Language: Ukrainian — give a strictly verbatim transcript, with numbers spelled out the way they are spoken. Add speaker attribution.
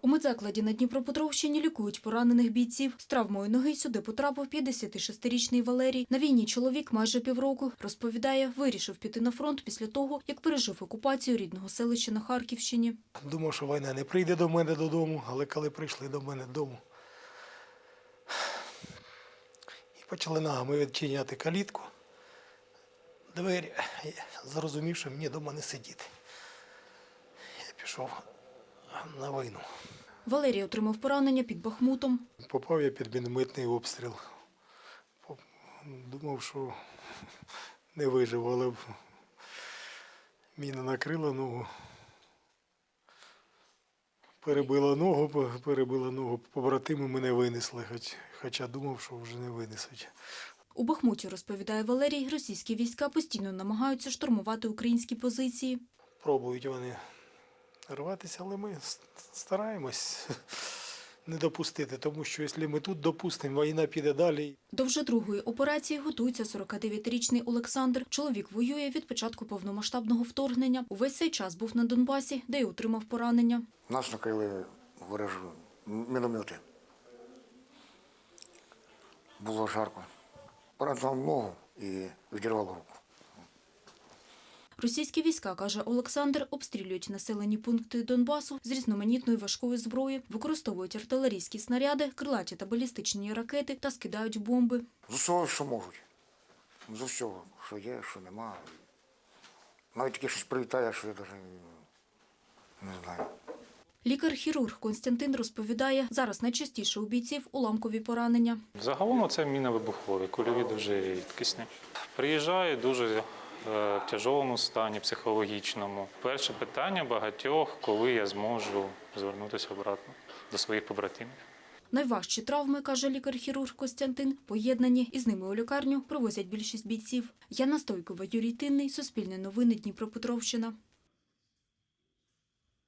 Speaker 1: У медзакладі на Дніпропетровщині лікують поранених бійців. З травмою ноги сюди потрапив п'ятдесятишестирічний Валерій. На війні чоловік майже півроку. Розповідає, вирішив піти на фронт після того, як пережив окупацію рідного селища на Харківщині.
Speaker 2: Думав, що війна не прийде до мене додому, але коли прийшли до мене додому, і почали ногами відчиняти калітку, двері, я зрозумів, що мені вдома не сидіти. Я пішов на війну.
Speaker 1: Валерій отримав поранення під Бахмутом.
Speaker 2: Попав я під мінометний обстріл. Думав, що не вижив, але міна накрила ногу. Перебила ногу, перебила ногу, побратими мене винесли, хоч, хоча думав, що вже не винесуть.
Speaker 1: У Бахмуті, розповідає Валерій, російські війська постійно намагаються штурмувати українські позиції.
Speaker 2: Пробують вони рватися, але ми стараємось не допустити, тому що якщо ми тут допустимо, війна піде далі.
Speaker 1: До вже другої операції готується сорокадев'ятирічний Олександр. Чоловік воює від початку повномасштабного вторгнення. Увесь цей час був на Донбасі, де й отримав поранення.
Speaker 3: Нас накрили ворожі міномети. Було жарко. Поранило ногу і відірвало руку.
Speaker 1: Російські війська, каже Олександр, обстрілюють населені пункти Донбасу з різноманітної важкої зброї, використовують артилерійські снаряди, крилаті та балістичні ракети та скидають бомби.
Speaker 3: З усього, що можуть. З усього, що є, що нема. Навіть таке щось прилітає, що я навіть не знаю.
Speaker 1: Лікар-хірург Костянтин розповідає, зараз найчастіше у бійців уламкові поранення.
Speaker 4: Загалом це мінно-вибухові, кульові дуже рідкісні. Приїжджаю дуже е, в тяжкому стані, психологічному. Перше питання багатьох, коли я зможу звернутися обратно до своїх побратимів.
Speaker 1: Найважчі травми, каже лікар-хірург Костянтин, поєднані, і з ними у лікарню привозять більшість бійців. Яна Стойкова, Юрій Тинний, Суспільне новини, Дніпропетровщина.